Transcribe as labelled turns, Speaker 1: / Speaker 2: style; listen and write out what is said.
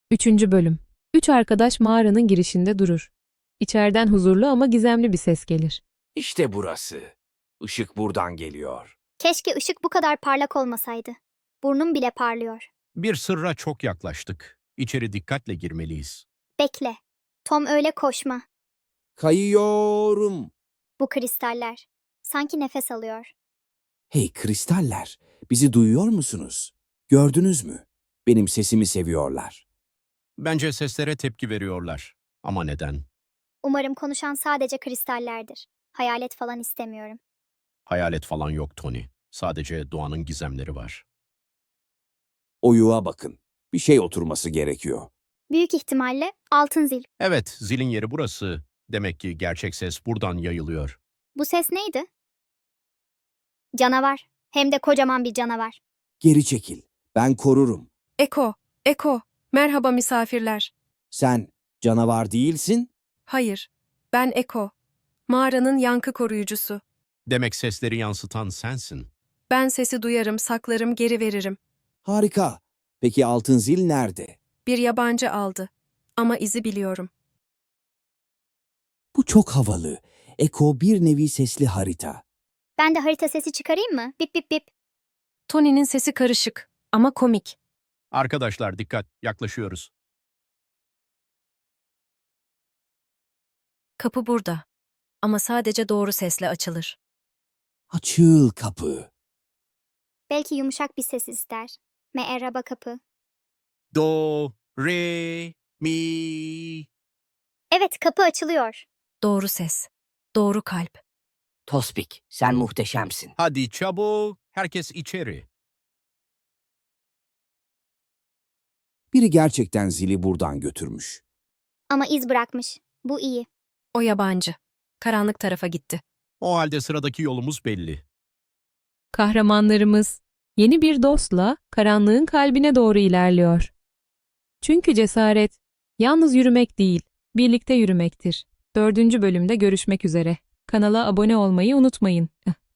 Speaker 1: Üçüncü bölüm. Üç arkadaş mağaranın girişinde durur. İçeriden huzurlu ama gizemli bir ses gelir.
Speaker 2: İşte burası. Işık buradan geliyor.
Speaker 3: Keşke ışık bu kadar parlak olmasaydı. Burnum bile parlıyor.
Speaker 4: Bir sırra çok yaklaştık. İçeri dikkatle girmeliyiz.
Speaker 3: Bekle. Tom öyle koşma.
Speaker 2: Kayıyorum.
Speaker 3: Bu kristaller. Sanki nefes alıyor.
Speaker 2: Hey kristaller, bizi duyuyor musunuz? Gördünüz mü? Benim sesimi seviyorlar.
Speaker 4: Bence seslere tepki veriyorlar. Ama neden?
Speaker 3: Umarım konuşan sadece kristallerdir. Hayalet falan istemiyorum.
Speaker 4: Hayalet falan yok Tony. Sadece doğanın gizemleri var.
Speaker 2: Oyuğa bakın. Bir şey oturması gerekiyor.
Speaker 3: Büyük ihtimalle altın zil.
Speaker 4: Evet, zilin yeri burası. Demek ki gerçek ses buradan yayılıyor.
Speaker 3: Bu ses neydi? Canavar. Hem de kocaman bir canavar.
Speaker 2: Geri çekil. Ben korurum.
Speaker 5: Eko, merhaba misafirler.
Speaker 2: Sen canavar değilsin.
Speaker 5: Hayır, ben Eko, mağaranın yankı koruyucusu.
Speaker 4: Demek sesleri yansıtan sensin.
Speaker 5: Ben sesi duyarım, saklarım, geri veririm.
Speaker 2: Harika. Peki altın zil nerede?
Speaker 5: Bir yabancı aldı. Ama izi biliyorum.
Speaker 2: Bu çok havalı. Eko bir nevi sesli harita.
Speaker 3: Ben de harita sesi çıkarayım mı? Bip bip bip.
Speaker 5: Tony'nin sesi karışık ama komik.
Speaker 4: Arkadaşlar dikkat, yaklaşıyoruz.
Speaker 5: Kapı burada. Ama sadece doğru sesle açılır.
Speaker 2: Açıl kapı.
Speaker 3: Belki yumuşak bir ses ister. Merhaba kapı.
Speaker 4: Do, re, mi.
Speaker 3: Evet, kapı açılıyor.
Speaker 5: Doğru ses. Doğru kalp.
Speaker 6: Tospik, sen muhteşemsin.
Speaker 4: Hadi çabuk, herkes içeri.
Speaker 2: Biri gerçekten zili buradan götürmüş.
Speaker 3: Ama iz bırakmış. Bu iyi.
Speaker 5: O yabancı. Karanlık tarafa gitti.
Speaker 4: O halde sıradaki yolumuz belli.
Speaker 1: Kahramanlarımız yeni bir dostla karanlığın kalbine doğru ilerliyor. Çünkü cesaret yalnız yürümek değil, birlikte yürümektir. Dördüncü bölümde görüşmek üzere. Kanala abone olmayı unutmayın.